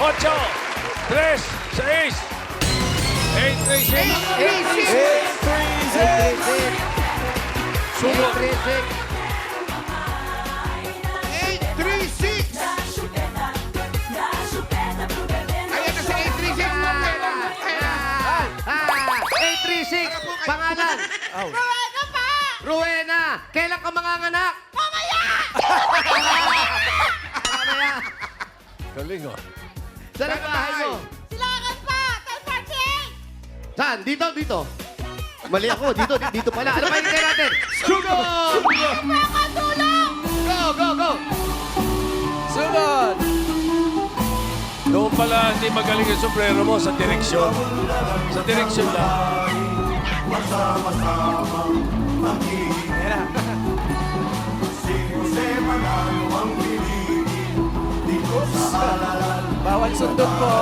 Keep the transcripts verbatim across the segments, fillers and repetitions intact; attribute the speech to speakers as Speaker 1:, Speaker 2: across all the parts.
Speaker 1: ocho, tres, seis, eight, three, six.
Speaker 2: eight three six.
Speaker 1: Sumo.
Speaker 2: eight three six. Ayan na si eight three six.
Speaker 3: eight three six. Pangalan?
Speaker 4: Rowena pa!
Speaker 3: Rowena. Kailan ka manganganak?
Speaker 4: Mamaya!
Speaker 3: Mamaya.
Speaker 1: Galing oh.
Speaker 3: Saan ang bahay mo?
Speaker 4: Silangan pa! Teleporting!
Speaker 3: Saan? Dito, dito. Mali ako. Dito, di- dito pala. Ano pa yung natin? Sugod!
Speaker 4: Mga tulong!
Speaker 3: Go, go, go!
Speaker 5: Sunod!
Speaker 1: Doon pala hindi magaling yung sombrero mo sa direksyon. Sa direksyon lang.
Speaker 5: Bawal sundot po.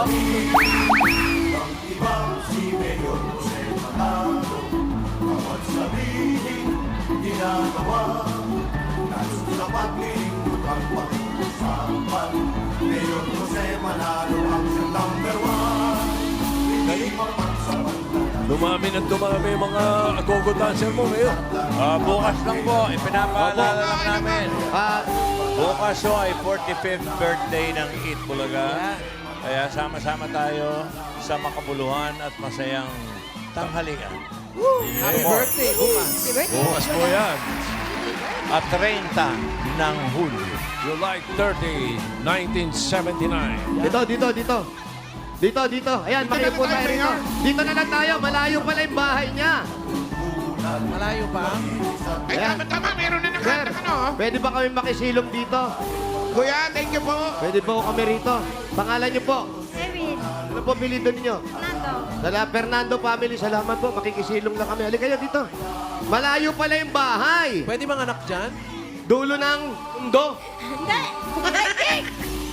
Speaker 1: Dumami ng dumami yung mga agogo dancer mo ngayon.
Speaker 6: Ah, bukas lang po, ipinapaalala lang namin.
Speaker 3: Ah,
Speaker 6: Bukas po ay forty-fifth birthday ng Eat Bulaga. Kaya sama-sama tayo sa makabuluhan at masayang tanghalian.
Speaker 5: Happy birthday, bukas.
Speaker 1: Bukas po yan.
Speaker 6: At thirty ng Hulyo.
Speaker 1: July thirtieth, nineteen seventy-nine.
Speaker 3: dito, dito, dito. Dito, dito. Ayan,
Speaker 2: Dito na
Speaker 3: makiupo
Speaker 2: lang
Speaker 3: tayo
Speaker 2: tayo,
Speaker 3: rito.
Speaker 2: Mayor.
Speaker 3: Dito na lang tayo. Malayo pala yung bahay niya.
Speaker 5: Malayo pa.
Speaker 2: Ay,
Speaker 3: Ayan.
Speaker 2: tama, tama. Meron na
Speaker 3: Sir,
Speaker 2: nakatak ano.
Speaker 3: pwede ba kami makisilong dito?
Speaker 2: Kuya, thank you po.
Speaker 3: Pwede po kami rito. Pangalan niyo po?
Speaker 4: Erin,
Speaker 3: Ano po pilido ninyo?
Speaker 4: Nando.
Speaker 3: Sala Fernando family, salamat po. Makikisilong lang kami. Halika kayo dito. Malayo pala yung bahay.
Speaker 5: Pwede bang anak dyan?
Speaker 3: Dulo ng mundo.
Speaker 4: Hindi! Daigdig!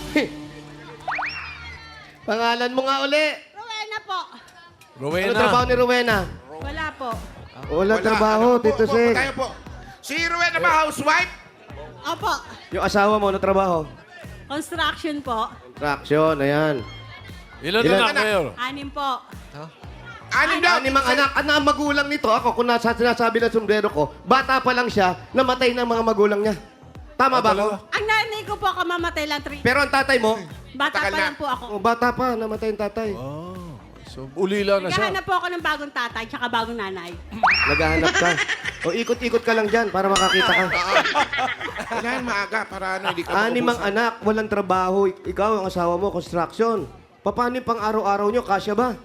Speaker 3: Pangalan mo nga uli.
Speaker 4: Rowena po.
Speaker 3: Ano
Speaker 1: Rowena.
Speaker 3: trabaho ni Rowena?
Speaker 4: Wala po.
Speaker 3: Wala, trabaho,
Speaker 2: Ano po,
Speaker 3: Tito
Speaker 2: po,
Speaker 3: Seng.
Speaker 2: Tayo po. Si Rowena ba housewife?
Speaker 4: Opo.
Speaker 3: Yung asawa mo, ano trabaho?
Speaker 4: Construction po.
Speaker 3: Contraction, ayan.
Speaker 1: Ilan
Speaker 3: Ilan?
Speaker 1: na Mayor?
Speaker 4: Anim po.
Speaker 2: Anim daw.
Speaker 3: Anim ang anak. At ang magulang nito, ako kung nasa sinasabi ng sombrero ko, bata pa lang siya, namatay ng mga magulang niya. Tama ba ako?
Speaker 4: Ang nanay ko po kamamatay lang three.
Speaker 3: Pero ang tatay mo,
Speaker 4: Bata
Speaker 2: Matagal
Speaker 4: pa
Speaker 2: na.
Speaker 4: lang po ako.
Speaker 3: oh, bata pa, namatay yung tatay.
Speaker 1: Oh, so ulila na siya.
Speaker 4: Naghahanap po ako ng bagong tatay tsaka bagong nanay.
Speaker 3: Naghahanap ka. O ikot-ikot ka lang dyan para makakita ka.
Speaker 2: Kailangan maaga para ano, hindi ka
Speaker 3: Anim ang
Speaker 2: maubusan.
Speaker 3: anak, walang trabaho. Ik- Ikaw, ang asawa mo, construction. Paano yung pang araw-araw nyo? Kasya ba?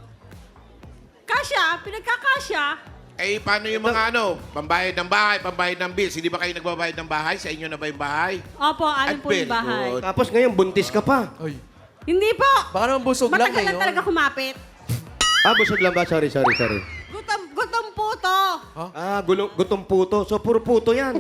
Speaker 4: Kasya, pinagkakasya.
Speaker 2: Eh, paano yung mga ano, pambayad ng bahay, pambayad ng bills? Hindi ba kayo nagbabayad ng bahay? Sa inyo na ba yung bahay?
Speaker 4: Opo, anim po yung
Speaker 2: Very
Speaker 4: bahay.
Speaker 2: good.
Speaker 3: Tapos ngayon, buntis ka pa.
Speaker 5: Ay.
Speaker 4: Hindi po.
Speaker 5: Baka naman busog lang
Speaker 4: Matagal lang
Speaker 5: ngayon.
Speaker 4: talaga kumapit.
Speaker 3: Ah, busog lang ba? Sorry, sorry, sorry.
Speaker 4: Gutom, gutom po to.
Speaker 3: Ah, gulong, gutong puto. So, puro puto yan.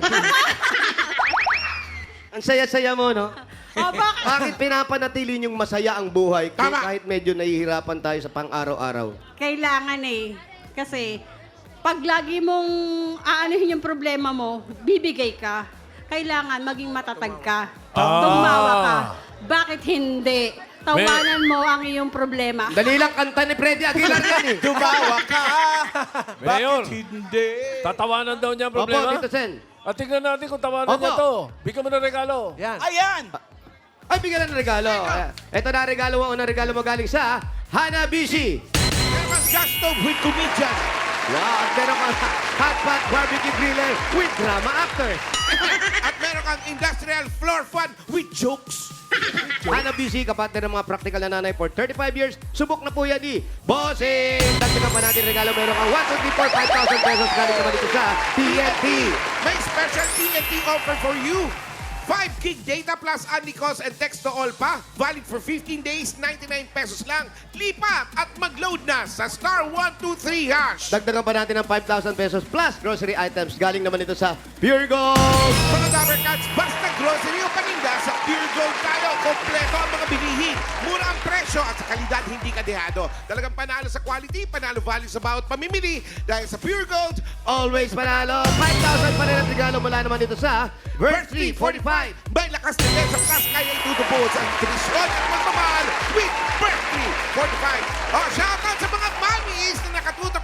Speaker 3: Ang saya-saya mo, no?
Speaker 4: O bakit?
Speaker 3: Bakit pinapanatili niyong masaya ang buhay k-
Speaker 2: Tama.
Speaker 3: kahit medyo nahihirapan tayo sa pang-araw-araw?
Speaker 4: Kailangan eh. Kasi pag lagi mong aanuhin yung problema mo, bibigay ka. Kailangan maging matatag ka.
Speaker 1: Ah.
Speaker 4: Tumawa ka. Bakit hindi? Tawanan mo ang iyong problema.
Speaker 3: Dali lang kanta ni Freddy Aguilar yan eh.
Speaker 5: Tumawa ka!
Speaker 1: Mayor,
Speaker 5: Hindi.
Speaker 1: tatawanan daw niya ang
Speaker 3: Opo,
Speaker 1: problema.
Speaker 3: Tito Sen.
Speaker 1: At tingnan natin kung tawanan
Speaker 3: Opo.
Speaker 1: niya to. Bigyan mo ng regalo.
Speaker 5: Yan.
Speaker 2: Ayan!
Speaker 3: Ay, bigyan ng regalo. Ayan. Ito na regalo mo. Unang regalo mo galing sa Hanabishi.
Speaker 2: Meron kang gas stove with comedian.
Speaker 3: Wow, at meron kang hot pot barbecue griller with drama actors.
Speaker 2: At meron kang industrial floor fan with jokes.
Speaker 3: Hanabishi, kapatid ng mga practical na nanay for thirty-five years. Subok na po yan di Bossing! Dagdagan pa natin regalo. Meron kang one, two, three, four, five thousand pesos galing naman dito sa T N T.
Speaker 2: May special T N T offer for you. five gig data plus only calls and text to all pa. Valid for fifteen days, ninety-nine pesos lang. Lipat at mag-load na sa star one two three hash.
Speaker 3: Dagdagan pa natin ng five thousand pesos plus grocery items. Galing naman ito sa Pure Gold.
Speaker 2: Mga Dabber Cats, basta grocery o paninda sa Pure Gold tayo. Kompleto ang mga bilihin. Mura ang presyo at sa kalidad hindi kadehado. Talagang panalo sa quality, panalo value sa bawat pamimili. Dahil sa Pure Gold,
Speaker 3: Always panalo. five thousand pa rin ang regalo mula naman dito sa Bird Street forty-five.
Speaker 2: may lakas na sa plus kaya itutubo sa intrisyon at magmamahal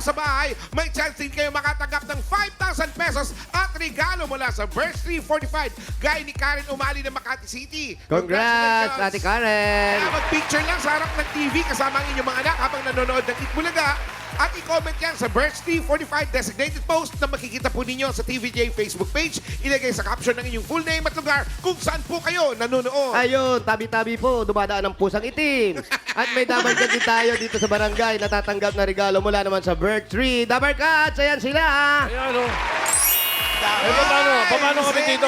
Speaker 2: sa bahay, may chance din kayo makatanggap ng five thousand pesos at regalo mula sa Birch Tree forty-five. Gaya ni Karen Umali ng Makati City.
Speaker 3: Congrats, Ate Karen!
Speaker 2: Kaya mag-picture lang sa harap ng T V kasama ang inyong mga anak habang nanonood ng Eat Bulaga. At i-comment yan sa Birch Tree forty-five designated post na makikita po ninyo sa T V J Facebook page. Ilagay sa caption ng inyong full name at lugar kung saan po kayo nanonood.
Speaker 3: Ayun, tabi-tabi po, dumadaan ang pusang itim. At may dabarkad din tayo dito sa barangay. Natatanggap na regalo mula naman sa Birch Tree. Dabarkad, ayan sila!
Speaker 1: Ayan, o. Eh, paano? Paano kami dito?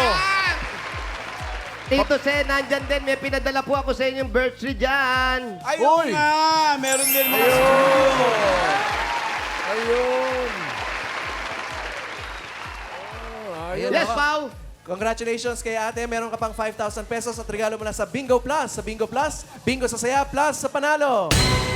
Speaker 3: Tito Sen, nandyan din. May pinadala po ako sa inyong Birch Tree dyan.
Speaker 7: Ayun nga! Meron din mga studio.
Speaker 1: Ayun.
Speaker 5: Ayun,
Speaker 3: Yes,
Speaker 5: ako.
Speaker 3: Pao!
Speaker 5: Congratulations kay ate. Meron ka pang five thousand pesos at regalo mula sa Bingo Plus. Sa Bingo Plus, Bingo sa saya, plus sa panalo.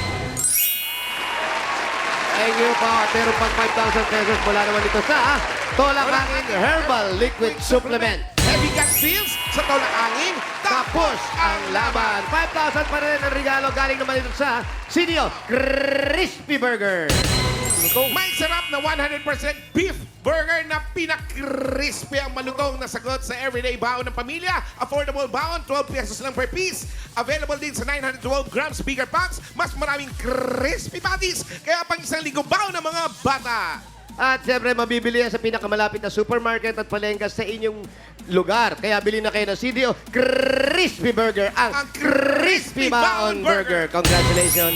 Speaker 3: Thank you po. At meron pang five thousand pesos mula naman dito sa Tolakangin Herbal Liquid Supplement.
Speaker 2: Heavy gut feels sa tolak angin.
Speaker 3: Tapos ang laban. five thousand pa rin ang regalo galing naman dito sa Sinio Crispy Burger.
Speaker 2: May sarap na one hundred percent beef burger na pinakrispy ang malutong na sagot sa everyday baon ng pamilya. Affordable baon, twelve pesos lang per piece. Available din sa nine hundred twelve grams bigger packs. Mas maraming crispy patties. Kaya pang isang linggo baon ng mga bata.
Speaker 3: At siyempre, mabibili yan sa pinakamalapit na supermarket at palengke sa inyong lugar. Kaya bili na kayo ng C D O Crispy Burger, ang,
Speaker 2: Ang
Speaker 3: Crispy
Speaker 2: Crispy
Speaker 3: Baon
Speaker 2: Baon
Speaker 3: Burger. Congratulations.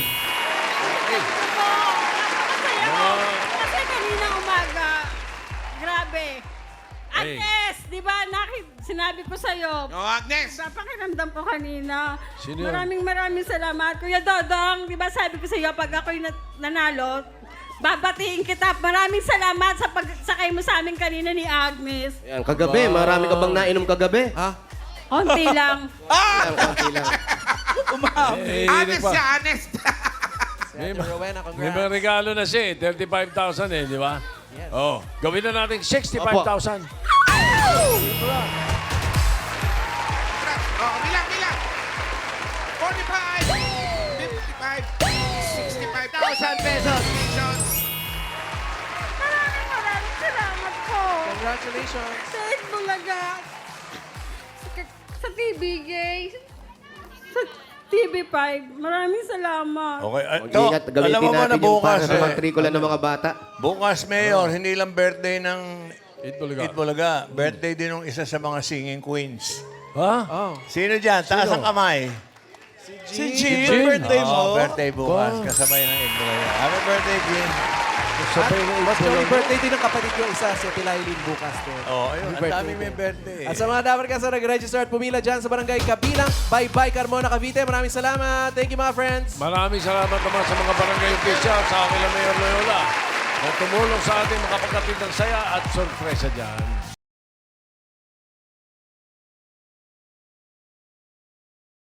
Speaker 4: Napakasaya ko. Kasi kanina umaga, grabe.
Speaker 1: Hey.
Speaker 4: Agnes, di ba, nakit, sinabi ko sa'yo,
Speaker 2: O Agnes,
Speaker 4: sa pakiramdam ko kanina.
Speaker 1: Sino yun?
Speaker 4: Maraming maraming salamat. Kuya Dodong, di ba sabi ko sa'yo, pag ako'y nat- nanalo, babatiin kita. Maraming salamat sa pagsakay mo sa amin kanina ni Agnes.
Speaker 3: Ayan, kagabi, marami ka bang nainom kagabi?
Speaker 5: Ha?
Speaker 4: Onti lang.
Speaker 3: Ayan, konti lang.
Speaker 1: Eh,
Speaker 2: honest
Speaker 1: pa.
Speaker 2: siya, honest.
Speaker 5: Si Ate Rowena,
Speaker 1: May mga
Speaker 5: congrats.
Speaker 1: regalo na siya eh. thirty-five thousand eh, di ba? Oh, gawin na natin sixty-five thousand.
Speaker 2: O, bilang, bilang. forty-five, fifty-five, sixty-five thousand
Speaker 3: pesos.
Speaker 2: Congratulations.
Speaker 4: Maraming maraming salamat po.
Speaker 5: Congratulations.
Speaker 4: Sa Bulaga. Sa, sa T V J. Sa T V five. Maraming salamat.
Speaker 6: Okay. Uh,
Speaker 3: Mag-ingat,
Speaker 6: alam
Speaker 3: gamitin
Speaker 6: mo ba na
Speaker 3: natin yung para
Speaker 6: bukas,
Speaker 3: sa
Speaker 6: eh,
Speaker 3: magtrikula ng mga bata.
Speaker 6: bukas, Mayor, hindi lang birthday ng
Speaker 1: Eat Bulaga.
Speaker 6: Eat Bulaga. Birthday din ng isa sa mga singing queens.
Speaker 1: Ha?
Speaker 5: Oh.
Speaker 6: Sino dyan? Taas ang kamay.
Speaker 5: Si
Speaker 1: Jean.
Speaker 5: Jean, birthday mo.
Speaker 6: Oo, birthday bukas. Kasabay ng Eat Bulaga. Happy birthday, Jean.
Speaker 1: Sabay na
Speaker 5: Mas may birthday din ng kapatid ko isa, si Tilailin bukas din.
Speaker 6: Oh, ayun.
Speaker 5: Happy
Speaker 6: Ang daming
Speaker 5: birthday
Speaker 6: may birthday.
Speaker 5: At sa mga dapat ka sa nag-register at pumila dyan sa barangay Kabilang, bye-bye Carmona, Cavite. Maraming salamat. Thank you mga friends.
Speaker 1: Maraming salamat naman sa mga barangay official sa akin na Mayor Loyola na tumulong sa ating makapagkatid ng saya at sorpresa dyan.